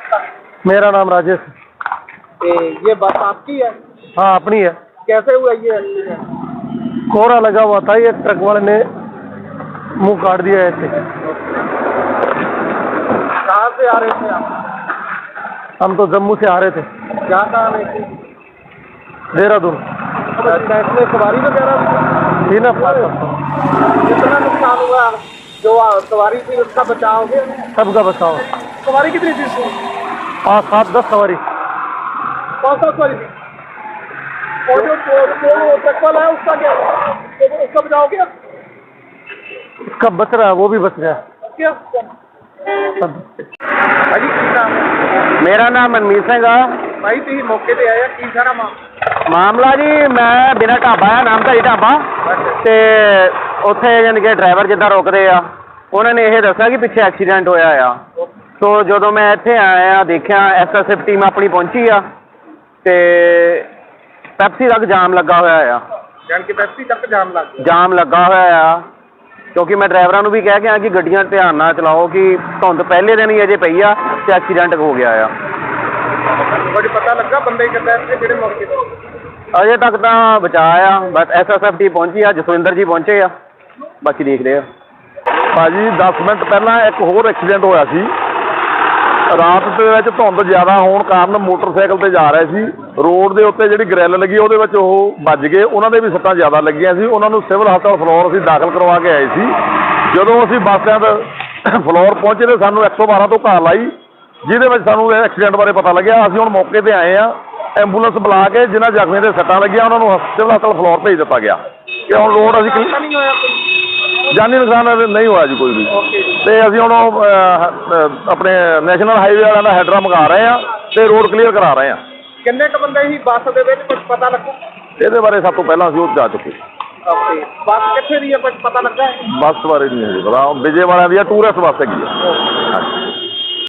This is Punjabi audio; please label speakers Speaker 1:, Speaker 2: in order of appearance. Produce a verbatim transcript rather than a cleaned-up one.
Speaker 1: मेरा नाम राजेश।
Speaker 2: ये बस आपकी है?
Speaker 1: हाँ अपनी है।
Speaker 2: कैसे हुआ ये एक्सीडेंट?
Speaker 1: कोहरा लगा हुआ था, ये ट्रक वाले ने मुंह काट दिया ऐसे।
Speaker 2: कहाँ से आ रहे थे आप?
Speaker 1: हम तो जम्मू से आ रहे थे।
Speaker 2: क्या कहाँ रहे थे?
Speaker 1: देहरादून।
Speaker 2: अच्छा, इसमें सवारी वगैरह
Speaker 1: थी ना?
Speaker 2: कितना नुकसान हुआ? जो सवारी थी उसका बचाव हो गया?
Speaker 1: सबका बचाव।
Speaker 2: सवारी कितनी थी इसमें?
Speaker 1: पाँच सात दस सवारी।
Speaker 2: कौन सा सवारी थी? और जो ट्रक वाला है उसका क्या हुआ? उसका बचाव हो गया?
Speaker 1: उसका बच रहा है, वो भी बच गया।
Speaker 2: क्या भाई की नाम है?
Speaker 3: मेरा नाम मनमीत सिंह आ।
Speaker 2: भाई तुम मौके पे आया की सारा
Speaker 3: ਮਾਮਲਾ ਜੀ ਮੈਂ ਬਿਨਾਂ ਢਾਬਾ ਆ, ਨਾਮਧਾਰੀ ਢਾਬਾ, ਤੇ ਉੱਥੇ ਯਾਨੀ ਕਿ ਡਰਾਈਵਰ ਜਿੱਦਾਂ ਰੁਕਦੇ ਆ ਉਹਨਾਂ ਨੇ ਇਹ ਦੱਸਿਆ ਕਿ ਪਿੱਛੇ ਐਕਸੀਡੈਂਟ ਹੋਇਆ ਆ। ਸੋ ਜਦੋਂ ਮੈਂ ਇੱਥੇ ਆਇਆ ਦੇਖਿਆ ਐਸ ਐਸ ਐਫ ਟੀਮ ਆਪਣੀ ਪਹੁੰਚੀ ਆ ਤੇ ਪੈਪਸੀ ਤੱਕ ਜਾਮ ਲੱਗਾ ਹੋਇਆ ਆ।
Speaker 2: ਜਾਨ ਕੇ ਪੈਪਸੀ ਤੱਕ ਜਾਮ ਲੱਗ ਗਿਆ?
Speaker 3: ਜਾਮ ਲੱਗਾ ਹੋਇਆ ਆ ਕਿਉਂਕਿ ਮੈਂ ਡਰਾਈਵਰਾਂ ਨੂੰ ਵੀ ਕਹਿ ਕੇ ਆਇਆ ਕਿ ਗੱਡੀਆਂ ਧਿਆਨ ਨਾਲ ਚਲਾਓ ਕਿ ਧੁੰਦ ਪਹਿਲੇ ਦਿਨ ਹੀ ਅਜੇ ਪਈ ਆ ਤੇ ਐਕਸੀਡੈਂਟ ਹੋ ਗਿਆ ਆ।
Speaker 2: ਕੁਝ ਪਤਾ ਲੱਗਾ ਬੰਦੇ ਕਿੱਦਾਂ ਇੱਥੇ ਜਿਹੜੇ ਮੌਕੇ ਤੇ?
Speaker 3: ਅਜੇ ਤੱਕ ਤਾਂ ਬਚਾ ਆ, ਬਸ ਐਸ ਐਸ ਐਫ ਟੀ ਪਹੁੰਚੀ ਆ, ਜਸਵਿੰਦਰ ਜੀ ਪਹੁੰਚੇ ਆ, ਬਾਕੀ ਦੇਖਦੇ ਆ।
Speaker 1: ਭਾਜੀ ਦਸ ਮਿੰਟ ਪਹਿਲਾਂ ਇੱਕ ਹੋਰ ਐਕਸੀਡੈਂਟ ਹੋਇਆ ਸੀ। ਰਾਤ ਦੇ ਵਿੱਚ ਧੁੰਦ ਜ਼ਿਆਦਾ ਹੋਣ ਕਾਰਨ ਮੋਟਰਸਾਈਕਲ ਤੇ ਜਾ ਰਹੇ ਸੀ, ਰੋਡ ਦੇ ਉੱਤੇ ਜਿਹੜੀ ਗ੍ਰਿਲ ਲੱਗੀ ਉਹਦੇ ਵਿੱਚ ਉਹ ਵੱਜ ਗਏ, ਉਹਨਾਂ ਦੇ ਵੀ ਸੱਟਾਂ ਜ਼ਿਆਦਾ ਲੱਗੀਆਂ ਸੀ। ਉਹਨਾਂ ਨੂੰ ਸਿਵਲ ਹਸਪਤਾਲ ਫਲੋਰ ਅਸੀਂ ਦਾਖਲ ਕਰਵਾ ਕੇ ਆਏ ਸੀ। ਜਦੋਂ ਅਸੀਂ ਬੱਸ ਸਟੈਂਡ ਫਲੋਰ ਪਹੁੰਚੇ ਤਾਂ ਸਾਨੂੰ ਇੱਕ ਸੌ ਬਾਰਾਂ ਤੋਂ ਕਾਲ ਆਈ ਜਿਹਦੇ ਵਿੱਚ ਸਾਨੂੰ ਇਹ ਐਕਸੀਡੈਂਟ ਬਾਰੇ ਪਤਾ ਲੱਗਿਆ। ਅਸੀਂ ਹੁਣ ਮੌਕੇ ਤੇ ਆਏ ਆ, ਐਂਬੂਲੈਂਸ ਬੁਲਾ ਕੇ ਜਿਨ੍ਹਾਂ ਜ਼ਖਮੀਆਂ ਦੇ ਸੱਟਾਂ ਲੱਗੀਆਂ ਉਹਨਾਂ ਨੂੰ ਸਿਵਲ ਹਸਪਤਾਲ ਫਲੋਰ ਭੇਜ ਦਿੱਤਾ ਗਿਆ ਕਿ ਹੁਣ ਲੋੜ ਅਸੀਂ
Speaker 2: ਨਹੀਂ ਹੋਇਆ ਕੋਈ
Speaker 1: ਜਾਨੀ ਨੁਕਸਾਨ ਨਹੀਂ ਹੋਇਆ ਜੀ ਕੋਈ ਵੀ। ਤੇ ਅਸੀਂ ਹੁਣ ਆਪਣੇ ਨੈਸ਼ਨਲ ਹਾਈਵੇ ਵਾਲਿਆਂ ਦਾ ਹੈਡਰਾ ਮੰਗਾ ਰਹੇ ਆ ਤੇ ਰੋਡ ਕਲੀਅਰ ਕਰਾ ਰਹੇ ਆ।
Speaker 2: ਕਿੰਨੇ ਕ ਬੰਦੇ ਸੀ ਬੱਸ ਦੇ ਵਿੱਚ, ਕੁਝ ਪਤਾ ਲੱਗਾ?
Speaker 1: ਇਹਦੇ ਬਾਰੇ ਸਭ ਤੋਂ ਪਹਿਲਾਂ ਅਸੀਂ ਉਹ ਜਾ ਚੁੱਕੇ।
Speaker 2: ਓਕੇ, ਬੱਸ ਕਿੱਥੇ ਦੀ ਹੈ ਕੁਝ ਪਤਾ ਲੱਗਾ?
Speaker 1: ਬੱਸ ਬਾਰੇ ਨਹੀਂ ਹੈ ਜੀ ਪਤਾ, ਵਿਜੇ ਵਾਲਿਆਂ ਦੀ ਆ, ਟੂਰਿਸਟ ਬੱਸ ਹੈਗੀ ਆ।